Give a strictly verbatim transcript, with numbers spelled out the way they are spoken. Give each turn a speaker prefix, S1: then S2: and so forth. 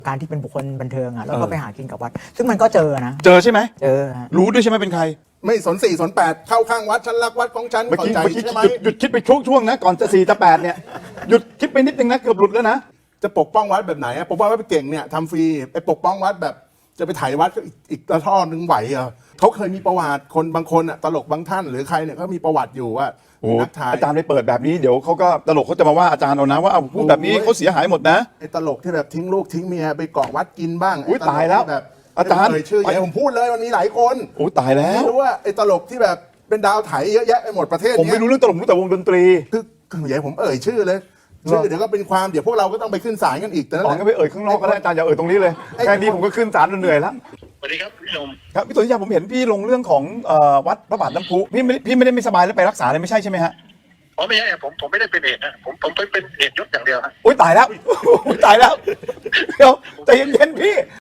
S1: การที่เป็นบุคคลบันเทิงอ่ะแล้วก็ไปหากินกับวัดซึ่งมันก็เจอนะ
S2: เจอใช่ไหม
S1: เจอ
S2: รู้ด้วยใช่ไหมเป็นใคร
S3: ไม่สนสี่สนแปดเข้าข้างวัดฉันรักวัดของฉัน
S2: เมื่อ
S3: เข้า
S2: กี้
S3: ใจ
S2: เมื่อกี้
S3: ใช่ไหม
S2: หยุดหยุดคิดไปช่วงช่วงๆนะก่อนจะสี่จะแปดเนี่ยหยุดคิดไปนิดนึงนะเกือบหลุดแล้วนะ
S3: จะปกป้องวัดแบบไหนอะปกป้องวัดไปเก่งเนี่ยทำฟรีไปปกป้องวัดแบบจะไปถ่ายวัดก็อีกอีกระท่อนึงไหวเหรอเขาเคยมีประวัติคนบางคนอะตลกบางท่านหรือใครเนี่ยเขามีประวัติอยู่ว่า
S2: โอ้
S3: นักถ่าย
S2: อาจารย์ไปเปิดแบบนี้เดี๋ยวเขาก็ตลกเขาจะมาว่าอาจารย์เอานะว่าเอาพูดแบบนี้เขาเสียหายหมดนะ
S3: ไอ้ตลกที่แบบทิ้งลูกทิ้งเมียไปเกาะวัดกินบ้าง
S2: อุ๊ย
S3: ไตลก
S2: ตายแล้ว
S3: ที่แบบ
S2: อาจารย์
S3: ไม่เอ่ยชื่ออย่าให้ผมพูดเลยมันมีหลายคน
S2: โอ้ตายแล้ว
S3: ไม่รู้ว่าไอ้ตลกที่แบบเป็นดาวไถเยอะแยะไปหมดประเทศ
S2: ผม
S3: เนี้
S2: ไม่
S3: ย
S2: รู้เรื่องตลกรู้แต่วงดนตรี
S3: คือคืออย่าให้ผมเอ่ยชื่อเลยชื่อเดี๋ยวก็เป็นความเดี๋ยวพวกเราก็ต้องไปขึ้นศาลกันอีกแต่นั่น
S2: อ๋
S3: แห
S2: อ
S3: ละ
S2: งั้นไปเอ่ยข้างนอกก็ได้อาจารย์อย่าเอ่ยตรงนี้เลยแค่นี้ผมก็ขึ้นศาลเหนื่อยแล้ว
S4: สวัสดีครับพี่หนุ่ม
S2: ครับพี่ตุลยาผมเห็นพี่ลงเรื่องของเอ่อวัดพระบาทน้ำพุพี่ไม่พี่ไม่ได้ไม่สบายแล้วไปรักษาเลยไม่ใช่ใช่ไหมฮะ
S4: อ๋อไม่ใช่ผมผมไม่ได้เป็นเอกนะผมผมเป็นเอกยศอย่างเดียวฮะ
S2: โอ้ยตายแล้วโอ้ยตายแล้วเดี๋ยวใจเย็นๆ